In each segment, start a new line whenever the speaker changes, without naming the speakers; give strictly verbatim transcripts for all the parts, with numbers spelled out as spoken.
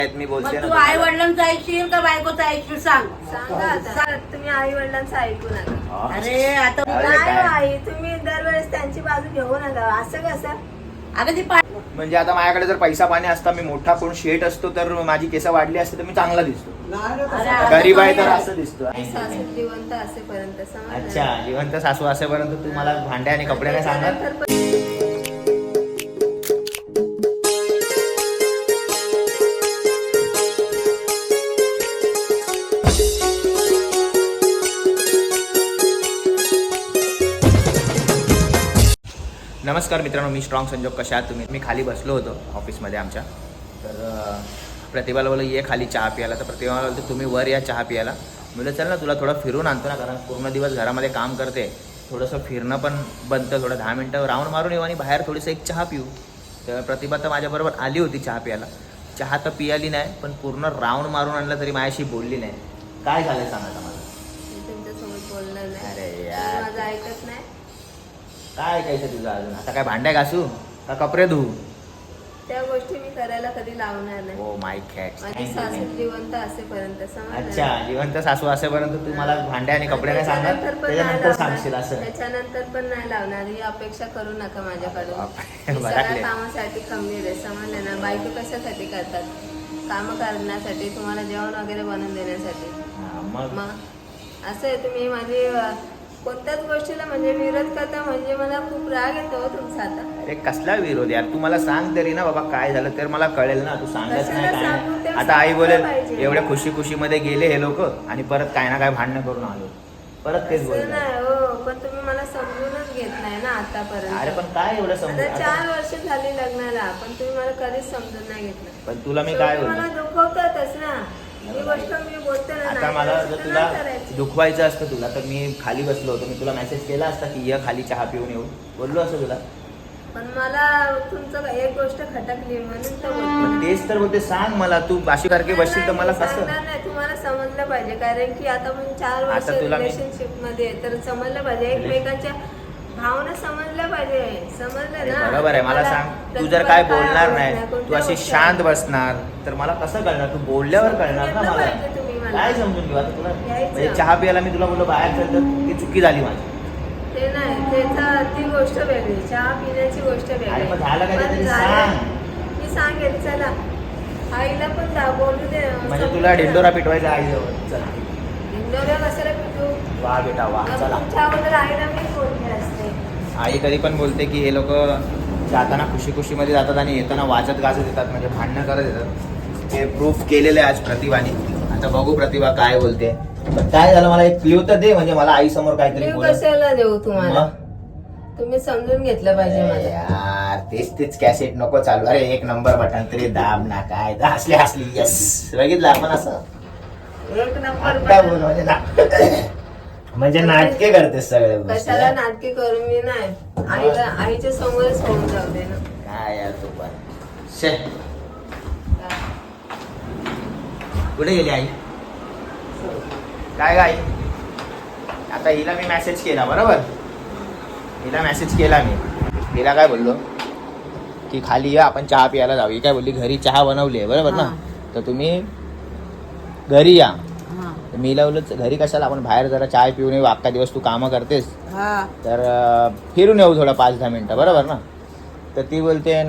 मी बोलते
तू आई वडिलांचं ऐकशील का बायकोचं ऐकशील सांग.
सांगा आता तुम्ही आई वडिलांचं ऐकू नका.
अरे आता
नाही आई तुम्ही दरवेळेस त्यांची बाजू घेऊ नका. असं कसं
अगं ती पा-
म्हणजे आता माझ्याकडे जर पैसा पाणी असता, मी मोठा कोण शेठ असतो तर माझी केस वाढली असते तर मी चांगला दिसतो.
अरे,
गरीब आहे तर असं दिसतो.
सासू जिवंत असेपर्यंत समजलं.
अच्छा, जिवंत सासू असेपर्यंत तू मला भांडे आणि कपडे नाही सांगत.
त्याच्यानंतर पण-
नमस्कार मित्रांनो, मी स्ट्रॉंग संजोग. कशा आहात तुम्ही? मी खाली बसलो होतो ऑफिसमध्ये आमच्या. तर अं, प्रतिभाला बोललो ये खाली चहा प्यायला. तर प्रतिभाला बोलतो तुम्ही वर या चहा प्यायला. बोललं चल ना तुला थोडं फिरून आणतो ना, कारण पूर्ण दिवस घरामध्ये काम करते, थोडंसं फिरणं पण बनतं, थोडं दहा मिनटं राऊंड मारून येऊ आणि बाहेर थोडीसं एक चहा पिऊ. तर प्रतिभा तर माझ्याबरोबर आली होती चहा प्यायला. चहा तर पियाली नाही, पण पूर्ण राऊंड मारून आणलं तरी माझ्याशी बोलली नाही. काय झालं सांगा आता मला.
मी तुमच्यासोबत बोलणार नाही.
अरे यार.
माझं ऐकत नाही.
काय ऐकायचं तुझं अजून? आता काय भांड्या घासू का कपडे धुवू?
त्या गोष्टी मी करायला कधी लावणार नाही.
Oh my cat.
माझी सासू जिवंत असेपर्यंत समजलं.
अच्छा, जिवंत सासू असेपर्यंत तू मला भांड्या आणि कपडे नाही सांगत,
त्याच्यानंतर पण नाही
त्याच्यानंतर
लावणार.
सांगशील असं.
त्याच्यानंतर पण नाही लावणार. ही अपेक्षा करू नका माझ्याकडून.
बापरे,
मी
बराकले.
सगळ्या कामासाठी खंबीर आहे. समजलं ना. बायको कशासाठी करतात? काम करण्यासाठी, तुम्हाला जेवण वगैरे बनवून देण्यासाठी.
हा, मग
मग असं आहे. तुम्ही माझी अं, कोणत्याच गोष्टीला म्हणजे विरोध करता म्हणजे मला खूप राग येतो हो तुमचा आता.
अरे कसला विरोध यार, तू मला सांग तरी ना बाबा काय झालं तर मला कळेल ना. तू सांगत नाही
कशाला
काय
सांगू?
नाही.
ते
आता आई बोलेल
पाहिजे.
एवढ्या खुशी खुशीमध्ये गेले हे लोक आणि परत काय ना काय भांडणं करून आलो, परत तेच
असं
बोलतात.
नाही हो, पण तुम्ही मला समजूनच घेत नाही ना आतापर्यंत.
अरे पण काय एवढं
आता
समजून
चार
आता-
वर्ष झाली लग्नाला, पण तुम्ही मला कधीच समजून नाही घेतलं.
पण तुला मी काय
शेवटी मला
बोलतो
दुखवतातच ना. ही गोष्ट मी बोलते ना.
आता
नाही
मला
करायची
जर
तर
तुला
नाही करायची.
दुखवायचं असतं तुला तर मी खाली बसलो होतो, मी तुला मेसेज केला असता की ये खाली चहा पिऊन येऊ, बोललो असं तुला.
पण मला तुमचं एक गोष्ट खटकली म्हणून तर
मग
बोलते.
तेच तर बोलते, सांग मला. तू बाशी सारखी बसशील तर मला कसं.
सांगणार नाही. तुम्हाला समजलं पाहिजे, कारण की आता आपण चार वर्ष
आता तुला मी-
रिलेशनशिप मध्ये आहे, तर समजलं पाहिजे एकमेकांच्या भावना समजल्या पाहिजे. समजलं ना.
बरोबर आहे. मला सांग, तू जर काय बोलणार नाही, तू अशी शांत बसणार तर मला कसं कळणार? तू बोलल्यावर कळणार ना मला.
पाहिजे तुम्ही मला.
काय समजून घेऊ आता तुला?
यायचं.
म्हणजे चहा प्यायला मी तुला बोललो बाहेर चल, तर ती चुकी झाली माझी.
ते नाही, त्याचा ती गोष्ट वेगळी, चहा पिण्याची गोष्ट
अरे
वेगळी.
पण झालं काय ते
पण
तरी
झालं.
सांग.
मी सांगेल. चला आईला पण दा बोलू दे.
म्हणजे तुला ढिंडोरा पिटवायचा आईजवळ. चल
ढिंडोरा कशाला पिटू?
वा बेटा वा, चला.
तुमच्या अगोदर आईला मी बोलते असते.
आई कधी पण बोलते की हे लोक जाताना खुशी खुशीमध्ये जातात आणि येताना वाजत गाजत येतात, म्हणजे भांडणं करत येतात. ते प्रूफ केलेलं आहे आज प्रतिभाने. आता बघू प्रतिभा काय बोलते. पण काय झालं, मला एक क्ल्यू तर दे, म्हणजे मला आई समोर काहीतरी
मी
बोल.
कशाला देऊ तुम्हाला? तुम्ही समजून घेतलं पाहिजे मला.
यार तेच तेच कॅसेट नको चालू. अरे एक नंबर बटन तरी दाब ना. काय हसली हसली. यस, बघितलं आपण असं
एक नंबर
आता बोल, म्हणजे ना- म्हणजे नाटके करतेस सगळे गोष्टी.
कशाला नाटके करू मी नाही. आईला आईच्या समोरच होऊन जाऊ दे ना.
काय यार तू पण शे. कुठे गेली आई? काय गाई? आता हिला मी मेसेज केला, बरोबर. हिला मेसेज केला मी. हिला काय बोललो की खाली या आपण चहा प्यायला जाऊ. ही काय बोलली घरी चहा बनवली आहे, बरोबर ना. तर तुम्ही घरी या. तर मी बोललो घरी कशाला, आपण बाहेर जरा चाय पिऊन येऊ. अख्खा दिवस तू कामं करतेस तर अं, फिरून येऊ थोडं पाच दहा मिनटं, बरोबर ना. तर ती बोलते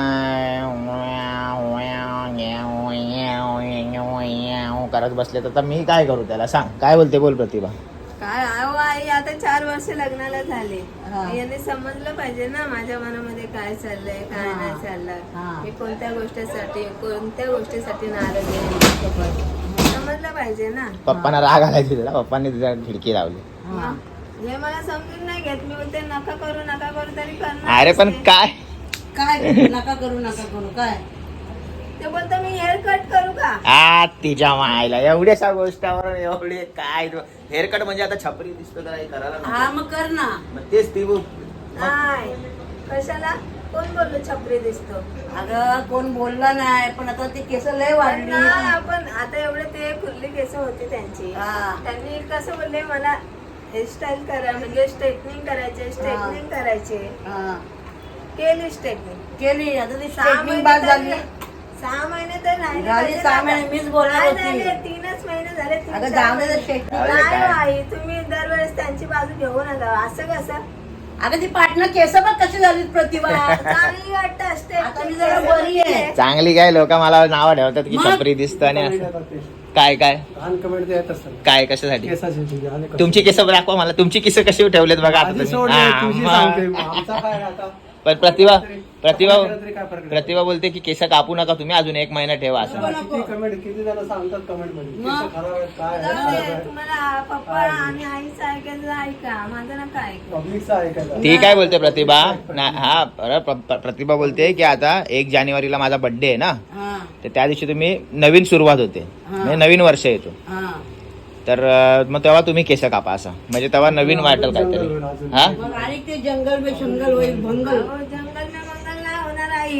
नाही करत बसले. तर मी काय करू त्याला सांग. काय बोलते बोल प्रतिभा.
काय अहो आई, आता चार वर्ष लग्नाला झाले. यांनी समजलं पाहिजे ना माझ्या मनामध्ये काय चाललंय काय नाही चाललंय. मी कोणत्या गोष्टीसाठी कोणत्या गोष्टीसाठी नाराज आहे समजलं पाहिजे ना.
पप्पांना राग आला तिला, पप्पांनी तिला खिडकी लावली.
मग हे मला समजून नाही घेत. मी बोलते नका करू नका करू तरी करणार.
अरे पण काय
काय करू नका करू नका करू काय
ते बोलतो मी हेअर कट करू का?
आ तिच्या मायला एवढ्याशा गोष्टावर एवढे काय हेअरकट म्हणजे आता छपरी दिसतो तर काही करायला नको.
हा मग कर ना.
मग तेच ती बोल.
नाही कशाला? कोण बोललो छपरी दिसतो?
अगं कोण बोलला नाही, पण आता ती केस लय
पण
वाढली.
नाही, आपण आता एवढे ते खुर्ली केस होती त्यांची.
हा.
त्यांनी कसं बोलले मला हेअरस्टाईल करा, म्हणजे स्ट्रेटनिंग करायचे स्ट्रेटनिंग करायचे.
हा.
केली स्ट्रेटनिंग.
केली आता ती
सहा
स्ट्रेटनिंग
महिने
बाद झाली.
तरी- सहा महिने तर राहिले
झाले
पाहिजे
सहा
ना.
महिने, मीच बोलणार
काय
होती.
झाले? तीनच महिने झाले. तीन
अगं
चार
जाऊ दे
महिने.
शेट.
जाऊ दे,
काय
काय?
आई तुम्ही दरवेळेस त्यांची बाजू घेऊ नका असं कसं
अगं ती पाटणं केस बघ कशी झाली प्रतिभा.
चांगली वाटत असते
आता मी जरा बरी आहे.
चांगली काय लोक मला नाव ठेवतात की
मग?
छपरी दिसतं आणि असं काय काय
लहान कमेंट येत असतात
काय कशासाठी
केसाची तुझी आणि कसं?
तुमची केस दाखवा मला तुमची केस कशी ठेवलेत बघा आता
आधी
तुम्ही.
सोड रे,
हा,
तुझी
मग.
सांगते आमचा काय आता
पण प्रतिभा प्रतिभा
केलं तरी काय फरक नाही.
प्रतिभा बोलते की केस कापू नका तुम्ही अजून एक महिना ठेवा असं
नको, नको.
किती कमेंट किती जण सांगतात कमेंट मध्ये
मग?
केस खराब आहेत काय
जाऊ दे, तुम्हाला पप्पा आणि आईचं ऐकायचं ऐका माझं नका ऐकू
पब्लिकचा ऐकायचा
ती काय बोलते प्रतिभा ना हा अरे प्र- प्र- प्रतिभा बोलते की आता एक जानेवारीला माझा बर्थडे आहे ना
हा
तर त्या दिवशी तुम्ही नवीन सुरुवात होते
हा.
म्हणजे नवीन वर्ष येतो
हा
तर अं, मग तेव्हा तुम्ही केस कापा असं म्हणजे तेव्हा नवीन वाटेल काहीतरी हा
मग आणि ते जंगल बे शंगल होईल भंगल.
अहो, जंगल ना मंगल नाही होणार आई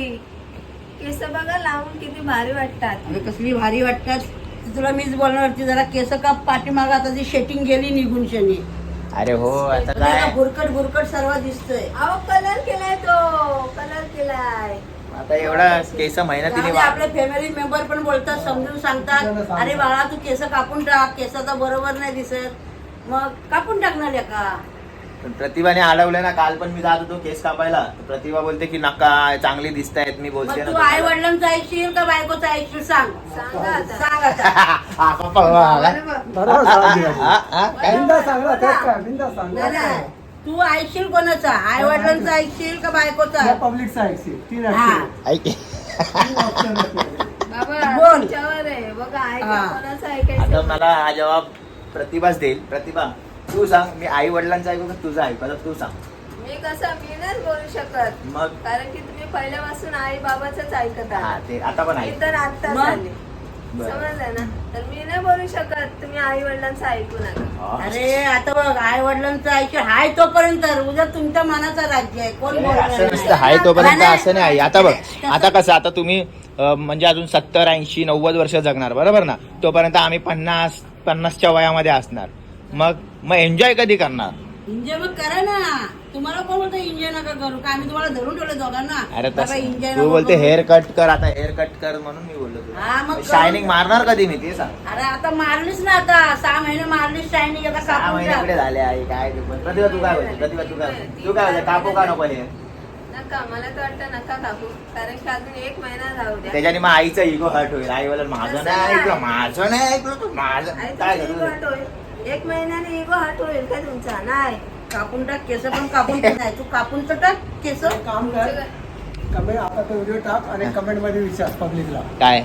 केस बघा लावून किती भारी वाटतात
अगं कसली भारी वाटतात ती तुला मीच बोलणार होती जरा केस काप पाठीमाग आता ती शेटिंग गेली निघून शनी
अरे हो आता काय
बुरकट बुरकट सर्व दिसतोय.
अहो कलर केलाय तो कलर केलाय
आता एवढा केस मेहनतीने
त्यामध्ये
वा-
आपले फॅमिली मेंबर पण बोलतात समजून सांगतात अरे बाळा तू केस कापून टाक केस आता बरोबर नाही दिसत मग कापून टाकणार का.
पण प्रतिभाने अडवलं ना काल पण मी जात होतो केस कापायला तर प्रतिभा बोलते की नका चांगली दिसतायत मी बोलते
मग
ना
तू आई वडिलांचं ऐकशील का बायकोचं ऐकशील सांग
सांगा आता
सांग आता.
हा, पप्पा, पप्पा,
बरं बघ.
बरोबर सांगितलं.
हा, हा, काय?
बिंदा सांगला तेच काय बिंदा सांग
नाही, नाही. तू ऐकशील कोणाचा आई वडिलांचं ऐकशील का बायकोचा.
पब्लिकचा ऐकशील तीन
हा.
ऐकशील
ऐक
तीन option आहेत.
बाबा
बोल.
तुमच्यावर आहे बघा ऐका
हा.
कोणाचं
आता
ऐकायचं
मला हा जवाब प्रतिभाच देईल प्रतिभा तू सांग मी आई वडिलांचा ऐकू का तुझा ऐकू आता तू सांग
मी कसं मी नाही बोलू शकत
मग
कारण की तुम्ही पहिल्यापासून आई बाबाच ऐकत
हा
आहात
ते आता पण
मी
ऐक
तर आता
मग?
झाले
बरं.
समजलं ना तर मी नाही बोलू शकत तुम्ही आई वडिलांचं ऐकू नका
हा.
अरे आता बघ आई वडिलांचं ऐकशील हाय तोपर्यंत उद्या तुमच्या मनाचा राज्य आहे कोण
अरे,
बोलणार
असं
नाही.
नसतं हाय तोपर्यंत
नाही,
असं नाही आता बघ
तसं-
आता कसं आता तुम्ही अं, म्हणजे अजून सत्तर ऐंशी नव्वद वर्ष जगणार बरोबर ना तोपर्यंत आम्ही पन्नास पन्नासच्या वयामध्ये असणार मग मग एन्जॉय कधी करणार
एन्जॉय मग करा ना तुम्हाला कोण बोलतो एन्जॉय नका करू का आम्ही तुम्हाला धरून ठेवलं दोघांना
अरे
बाबा,
तसं
enjoy
तू
नको
बोलते
करू.
हेअर कट कर आता हेअर कट कर म्हणून मी बोललो
हा, मग
तुला
करू.
शायनिंग मारणार कधी मी ते सांग
अरे आता मारलीस ना आता सहा महिने मारलीस शायनिंग आता
सहा
कापून
महिने
टाक.
कुठे झाले आहे काय ते पण प्रतिभा तू काय बोलते प्रतिभा तू काय बोलते? तू काय बोलते कापू का नको हे
नका मला तर वाटतं नका कापू कारण की अजून एक महिना जाऊ द्या
त्याच्याने मग आईचा इगो हर्ट होईल आई बोलेल माझं
तसं
नाही ऐकलं
नाही.
माझं नाही ऐकलं तू माझं
आई
काय
तुमची
करू
ego हट होईल एक महिन्याने इगो हट होईल का तुमचा नाही
कापून टाक केस पण कापून पण नाही तू कापून तर टाक केस
एक काम कर कमेंट आता तो व्हिडिओ टाक आणि कमेंट मध्ये विचार पब्लिकला
काय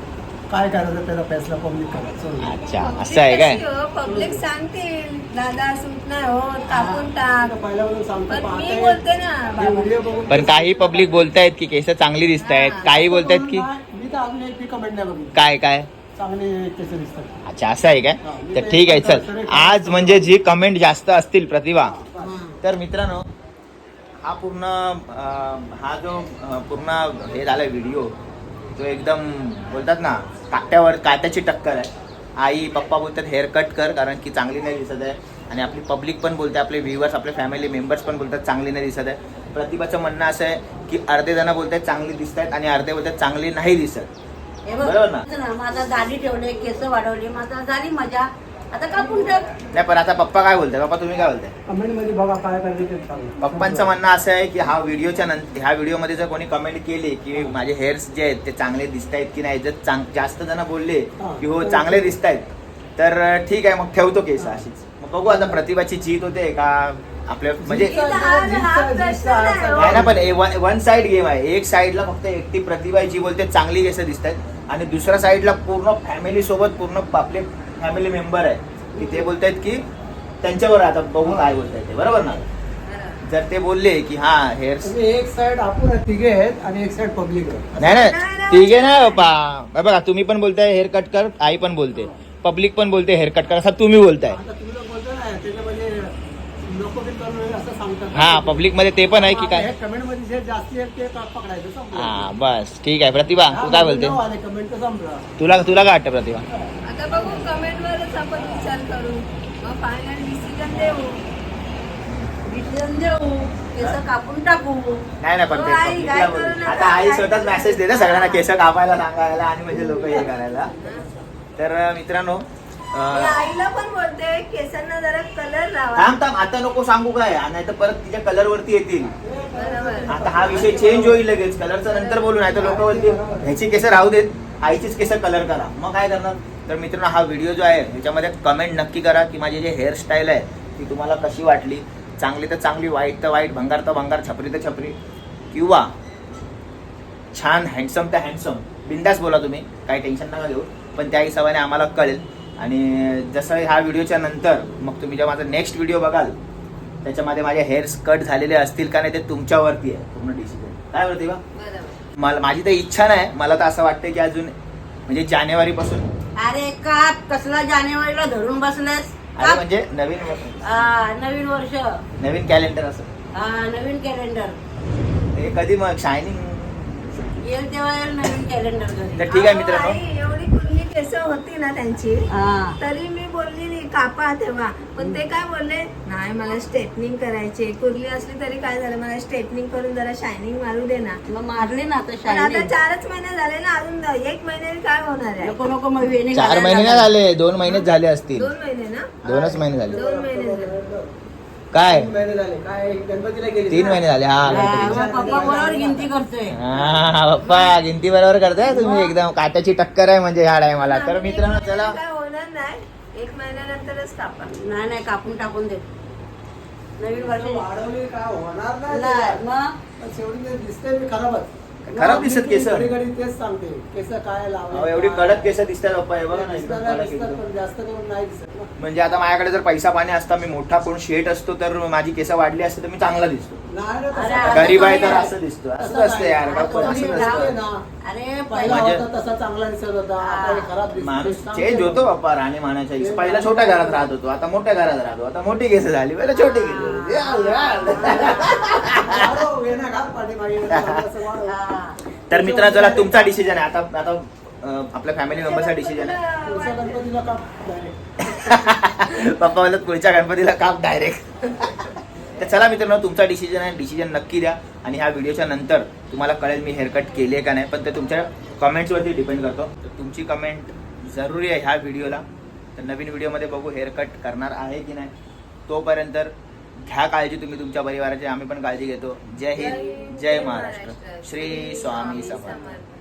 काय करायचं त्याचा फैसला पब्लिक करा चल.
अच्छा असं आहे काय
पब्लिक सांगतील दादा सूट नाही हो कापून टाक
आता पहिल्यापासून सांगतो
पण मी
पाहते.
बोलते ना
हे
बाबा
व्हिडिओ बघून
पण काही पब्लिक बोलतायत की केस चांगली दिसत आहेत
हा.
काही बोलतायत की
मी तर अजून एक कमेंट नाही बघितली
काय काय
चांगले केस दिसतात
अच्छा असं आहे काय
हा, मी
तर
ते
ठीक आहे
एक
चल
sorry,
आज म्हणजे जी कमेंट जास्त असतील प्रतिभा
हा.
तर मित्रांनो हा पूर्ण अं, हा जो अं, पूर्ण हे झालाय व्हिडिओ तो एकदम बोलतात ना काट्यावर काट्याची टक्कर आहे आई पप्पा बोलतात हेअर कट कर कारण की चांगली नाही दिसत आहे आणि आपली पब्लिक पण बोलते आपले व्ह्युअर्स आपले फॅमिली मेंबर्स पण बोलतात चांगली नाही दिसत आहे प्रतिभाचं म्हणणं असं आहे की अर्धे जण बोलतात चांगली दिसत आहेत आणि अर्धे बोलतात चांगली नाही दिसत
हे बघ,
बरोबर ना?
ना, माझा दाढी ठेवले केस वाढवले माझा झाली मजा आता कापून टाक
नाही पण आता पप्पा काय बोलताय पप्पा तुम्ही काय बोलताय
कमेंट मध्ये बघा काय करायचं ते सांगा.
पप्पांचं म्हणणं असं आहे की हा व्हिडिओच्या नंतर ह्या व्हिडिओमध्ये जर कोणी कमेंट केली की माझे हेअर्स जे आहेत ते चांगले दिसत आहेत की नाही जर चांग जास्त जण बोलले की हो चांगले दिसत आहेत तर ठीक आहे मग ठेवतो केस अशीच मग बघू आता प्रतिभाची जीत होते का आपल्या म्हणजे
इथं हा- हा प्रश्न नाही हो.
नाही ना पण वन साइड गेम आहे एक साइडला फक्त एकटी प्रतिभा आहे जी बोलते चांगली केस दिसत आहेत आणि दुसऱ्या साइडला पूर्ण फॅमिली सोबत पूर्ण आपले फॅमिली मेंबर आहे की ते बोलतायत की त्यांच्यावर आता बघून काय बोलतायत ते बरोबर ना जर ते बोलले की हा हेअर
तुम्ही एक साइड आपण आहे, तिघे आहेत आणि एक साइड पब्लिक आहे
नाही
नाही,
नाही
नाही.
ठीक आहे ना बाबा बघा तुम्ही पण बोलताय हेअर कट कर आई पण बोलते पब्लिक पण बोलते हेअर कट कर असं तुम्ही बोलताय
आता तुम्ही लोक बोलता ना त्याच्यामध्ये नको बिन करू नये असं सांगतात
हा पब्लिक मध्ये ते पण आहे की काय
कमेंट मध्ये जे जास्ती आहेत ते पकडायचं संपलं.
हा बस ठीक आहे प्रतिभा तू काय बोलते
नाव आले कमेंट तर संपला
तुला तुला काय वाटतं प्रतिभा
आता बघू कमेंट वरच आपण विचार करू मग फायनल डिसिजन देऊ
डिसिजन देऊ केस कापून टाकू.
नाही नाही पण ते
हो, आई,
public ला
काय
बोलू.
करू नका,
आता आई
काय
स्वतःच
करू
मेसेज देते सगळ्यांना केस कापायला सांगायला आणि म्हणजे लोक हे करायला. तर मित्रांनो
मी
अं,
आईला पण बोलते केसांना जरा कलर लावा.
थांब थांब आता नको सांगू काय नाही तर परत तिच्या कलर वरती येतील.
बरोबर.
आता हा विषय चेंज होईल लगेच कलरचा नंतर बोलू नाही तर लोक बोलतील ह्याची केस राहू देत आईचीच केस कलर करा मग काय करणार. तर मित्रांनो हा व्हिडिओ जो आहे ह्याच्यामध्ये कमेंट नक्की करा की माझी जी हेअरस्टाईल आहे ती तुम्हाला कशी वाटली. चांगली तर चांगली वाईट तर वाईट भंगार तर भंगार छपरी तर छपरी किंवा छान हँडसम तर हँडसम बिंदास बोला तुम्ही काही टेन्शन नका घेऊ. पण त्या हिशोबाने आम्हाला कळेल. आणि जसं ह्या व्हिडिओच्या नंतर मग तुम्ही जेव्हा माझा नेक्स्ट व्हिडिओ बघाल त्याच्यामध्ये माझे हेअर्स कट झालेले असतील का नाही ते तुमच्यावरती आहे पूर्ण डिसिजन. काय बोलते बा
बरोबर.
मला माझी तर इच्छा नाही. मला तर असं वाटतं की अजून म्हणजे जानेवारी पासून
अरे काप कसला जानेवारीला धरून बसलेस.
अरे
काप.
म्हणजे नवीन वर्ष-
हा, नवीन वर्ष.
नवीन कॅलेंडर असं
हा, नवीन कॅलेंडर
हे कधी मग शायनिंग.
येईल तेव्हा येईल नवीन कॅलेंडर घरी.
तर ठीक आहे
अहो,
मित्रांनो
आई, एवढी कुर्ली केस होती ना त्यांची
हा.
तरी मी बोलली नाही कापा तेव्हा. पण ते काय बोलले नाही मला स्ट्रेटनिंग करायची कुर्ली असली तरी काय झालं मला स्ट्रेटनिंग करून जरा शायनिंग मारू दे ना.
मग मारली ना आता
पण आता
शायनिंग.
चारच महिने झाले ना अजून एक महिन्याने काय होणार आहे.
नको नको मग वेणी
चार
घालायला
महिने नाही
लागेल.
झाले दोन महिनेच झाले असतील.
दोन महिने ना
दोनच महिने झाले
दोन महिने झाले.
काय
तीन महिने झाले काय गणपतीला गेली
तीन महिने झाले. हा
हा,
गणपतीचे.
मग पप्पा बरोबर गिनती करतोय.
हा पप्पा गिनती बरोबर करताय तुम्ही एकदम काट्याची टक्कर आहे म्हणजे ह्या टायमाला. तर मित्रांनो चला
काय होणार नाही एक महिन्यानंतरच कापा.
नाही नाही कापून टाकून दे नवीन वर्ष.
वाढवली काय होणार
नाही,
नाही
मग
पण शेवटी ते दिसते मी खराबच
खराब दिसत केस.
घडी घडी तेच सांगते केस काय लावा
अहो, एवढी कडक केस दिसतात पप्पा हे बघा ना एकदम
दिसतात
कडक
दिसतात,
एकदम.
पण जास्त करून नाही दिसत ना.
म्हणजे आता माझ्याकडे जर पैसा पाणी असता मी मोठा कोण शेट असतो तर माझी केस वाढली असते तर मी चांगला दिसतो.
नाही ना
अरे,
तसं
आता
काय.
गरीब आहे तर
नाही.
असं दिसतो असं असतं यार का पण असं
आता
नसतं.
ना.
अरे
पहिला
म्हणजे-
होता तसा चांगला दिसत होता आता हे खराब दिसतो.
माणूस
सांगते.
चेंज होतो बाप्पा राहणे मानाच्या हिशोब. पहिला छोट्या घरात राहत होतो आता मोठ्या घरात राहतो. आता मोठी केस झाली पहिला छोटी केस. याल, याल.
वाढव, वेण्या घाल पाठीमागे, असं वाढव.
हा.
तर मित्रांनो चला तुमचा डिसिजन आहे आता. आता अं, आपल्या फॅमिली मेंबरचा डिसिजन आहे.
पुढच्या गणपतीला का direct.
पप्पा बोलत पुढच्या गणपतीला काप डायरेक्ट. तर चला मित्रांनो तुमचा डिसिजन आहे डिसिजन नक्की द्या. आणि ह्या व्हिडिओच्या नंतर तुम्हाला कळेल मी हेअरकट केली आहे का नाही. पण ते तुमच्या कमेंट्सवरती डिपेंड करतो. तर तुमची कमेंट जरुरी आहे ह्या व्हिडिओला. तर नवीन व्हिडिओमध्ये बघू हेअरकट करणार आहे की नाही. तोपर्यंत घ्या काळजी तुम्ही तुमच्या परिवाराची. आम्ही पण काळजी घेतो. जय हिंद जय महाराष्ट्र. श्री स्वामी समर्थ.